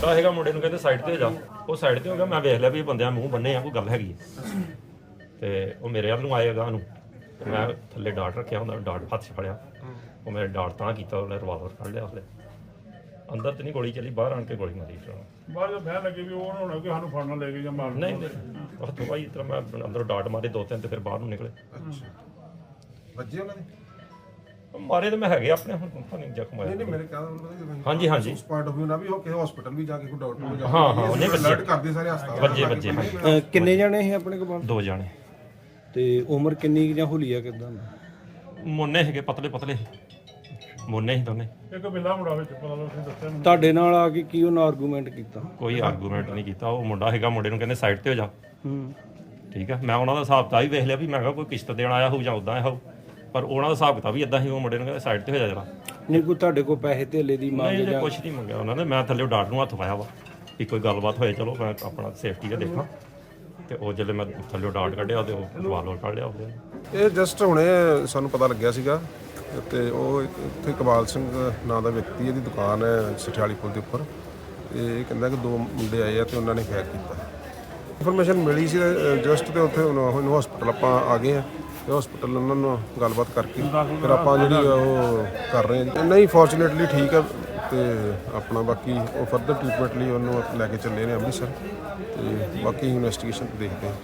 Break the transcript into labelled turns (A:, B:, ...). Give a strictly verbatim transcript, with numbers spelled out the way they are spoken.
A: ਮੁੰਡਾ ਹੈਗਾ, ਮੁੰਡੇ ਨੂੰ ਕਹਿੰਦੇ ਸਾਈਡ ਤੇ ਹੋ ਜਾ। ਉਹ ਸਾਈਡ ਤੇ ਹੋ ਗਿਆ। ਮੈਂ ਵੇਖ ਲਿਆ ਵੀ ਇਹ ਬੰਦਿਆਂ ਮੂੰਹ ਬੰਨੇ ਆ, ਕੋਈ ਗੱਲ ਹੈਗੀ ਤੇ ਉਹ ਮੇਰੇ ਵੱਲ ਨੂੰ ਆਏ ਅਗਾਂਹ ਨੂੰ। ਮੈਂ ਥੱਲੇ ਡਾਟ ਰੱਖਿਆ ਹੁੰਦਾ, ਡਾਟ ਹੱਥ 'ਚ ਫੜਿਆ। ਉਹ ਮੇਰੇ ਡਾਟ ਤਾਂ ਕੀਤਾ, ਉਹਨੇ ਰਿਵਾਲਵਰ ਕੱਢ ਲਿਆ। ਉਸਲੇ ਅੰਦਰ ਤੇ ਨਹੀਂ ਗੋਲੀ ਚੱਲੀ, ਬਾਹਰ ਆਣ ਕੇ ਗੋਲੀ ਮਾਰੀ।
B: ਬਾਅਦ ਵਿੱਚ ਬਹਿਣ ਲੱਗੇ ਵੀ ਉਹ ਹੋਣਾ ਕਿ ਸਾਨੂੰ ਫੜਨਾ ਲੈ ਕੇ ਜਾਂ ਮਾਰਨ।
A: ਨਹੀਂ ਨਹੀਂ ਹੱਥੋਂ ਭਾਈ ਇਸ ਤਰ੍ਹਾਂ ਮੈਂ ਅੰਦਰੋਂ ਡਾਟ ਮਾਰੇ ਦੋ ਤਿੰਨ ਤੇ ਫਿਰ ਬਾਹਰ ਨੂੰ ਨਿਕਲੇ।
C: ਵੱਜੇ ਉਹਨਾਂ ਦੇ
A: ਮਾਰੇ ਤਾਂ ਮੈਂ ਹੈਗੇ ਆਪਣੇ, ਹੁਣ ਨਹੀਂ ਜ਼ਖਮ ਆਇਆ।
C: ਨਹੀਂ ਮੇਰੇ ਕਹਿੰਦਾ
A: ਹਾਂਜੀ ਹਾਂਜੀ
C: ਉਸ ਪਾਰਟ ਆਫ ਨਾ ਵੀ ਉਹ ਕਿਸੇ ਹਸਪੀਟਲ ਵੀ ਜਾ ਕੇ ਕੋਈ ਡਾਕਟਰ ਨੂੰ ਜਾ
A: ਹਾਂ ਹਾਂ ਉਹਨੇ
C: ਅਲਰਟ ਕਰਦੇ ਸਾਰੇ ਹਸਪਤਾਲ
A: ਵੱਜੇ ਵੱਜੇ ਹਾਂਜੀ।
D: ਕਿੰਨੇ ਜਾਣੇ ਸੀ ਆਪਣੇ ਕੋਲ?
A: ਦੋ ਜਾਣੇ।
D: ਤੇ ਉਮਰ ਕਿੰਨੀ ਕੁ ਜਾਂ ਹੁਲੀਆ ਕਿਦਾਂ?
A: ਮੁੰਨੇ ਹੈਗੇ, ਪਤਲੇ ਪਤਲੇ ਮੁੰਨੇ ਸੀ ਦੋਨੇ।
B: ਇੱਕ ਬਿੱਲਾ ਮੁੰਡਾ ਵਿੱਚ ਪਤਾ ਲੱਗ ਦੱਸਿਆ ਮੈਨੂੰ।
D: ਤੁਹਾਡੇ ਨਾਲ ਆ ਕੇ ਕੀ ਉਹਨਾਂ ਆਰਗੂਮੈਂਟ ਕੀਤਾ?
A: ਕੋਈ ਆਰਗੂਮੈਂਟ ਨਹੀਂ ਕੀਤਾ। ਉਹ ਮੁੰਡਾ ਹੈਗਾ, ਮੁੰਡੇ ਨੂੰ ਕਹਿੰਦੇ ਸਾਈਡ ਤੇ ਹੋ ਜਾ।
D: ਹੂੰ
A: ਠੀਕ ਆ। ਮੈਂ ਉਹਨਾਂ ਦਾ ਹਿਸਾਬ ਤਾਂ ਹੀ ਵੇਖ ਲਿਆ ਵੀ ਮੈਂ ਕਿਹਾ ਕੋਈ ਕਿਸ਼ਤ ਦੇਣ ਆਇਆ ਹੋਊ ਜਾਂ ਉਦਾਂ ਹੋਊ, ਪਰ ਉਹਨਾਂ ਦਾ ਹਿਸਾਬ ਕਿਤਾਬ ਵੀ ਇਦਾਂ ਸੀ। ਉਹ ਮੁੰਡੇ ਨੂੰ ਕਹਿੰਦੇ ਸਾਈਡ ਤੇ ਹੋ ਜਾ ਜਰਾ।
D: ਨਹੀਂ ਕੋਈ ਤੁਹਾਡੇ ਕੋਲ ਪੈਸੇ ਧੇਲੇ ਦੀ ਮੰਗ
A: ਨਹੀਂ
D: ਜਾਂ?
A: ਕੁਛ ਨਹੀਂ ਮੰਗਿਆ ਉਹਨਾਂ ਨੇ। ਮੈਂ ਥੱਲੇ ਡਾਟ ਨੂੰ ਹੱਥ ਪਾਇਆ ਵਾ ਵੀ ਕੋਈ ਗੱਲਬਾਤ ਹੋਏ, ਚਲੋ ਮੈਂ ਆਪਣਾ ਸੇਫਟੀ ਦਾ ਦੇਖਾਂ। ਤੇ ਉਹ ਜਦੋਂ ਮੈਂ ਥੱਲੇ ਡਾਟ ਕੱਢਿਆ ਤੇ ਉਹ ਰਿਵਾਲਵਰ ਕੱਢ ਲਿਆ ਉਹਦੇ।
C: ਇਹ ਜਸਟ ਹੁਣੇ ਸਾਨੂੰ ਪਤਾ ਲੱਗਿਆ ਸੀਗਾ ਤੇ ਉਹ ਇੱਥੇ ਇਕਬਾਲ ਸਿੰਘ ਨਾਂ ਦਾ ਵਿਅਕਤੀ, ਇਹਦੀ ਦੁਕਾਨ ਹੈ ਸਠਿਆਲੀ ਪੁਲ ਦੇ ਉੱਪਰ। ਇਹ ਕਹਿੰਦਾ ਕਿ ਦੋ ਮੁੰਡੇ ਆਏ ਆ ਤੇ ਉਹਨਾਂ ਨੇ ਫਾਇਰ ਕੀਤਾ। ਇਨਫੋਰਮੇਸ਼ਨ ਮਿਲੀ ਸੀ ਜਸਟ ਤੇ ਉੱਥੇ ਹੁਣ ਹਸਪੀਟਲ ਆਪਾਂ ਆ ਗਏ ਆ ਤੇ ਹਸਪੀਟਲ ਉਹਨਾਂ ਨੂੰ ਗੱਲਬਾਤ ਕਰਕੇ ਫਿਰ ਆਪਾਂ ਜਿਹੜੀ ਉਹ ਕਰ ਰਹੇ ਹਾਂ। ਨਹੀਂ ਫੋਰਚੂਨੇਟਲੀ ਠੀਕ ਹੈ ਤੇ ਆਪਣਾ ਬਾਕੀ ਉਹ ਫਰਦਰ ਟ੍ਰੀਟਮੈਂਟ ਲਈ ਉਹਨੂੰ ਲੈ ਕੇ ਚੱਲੇ ਨੇ ਅੰਮ੍ਰਿਤਸਰ ਤੇ ਬਾਕੀ ਇਨਵੈਸਟੀਗੇਸ਼ਨ ਦੇਖਦੇ ਹਾਂ।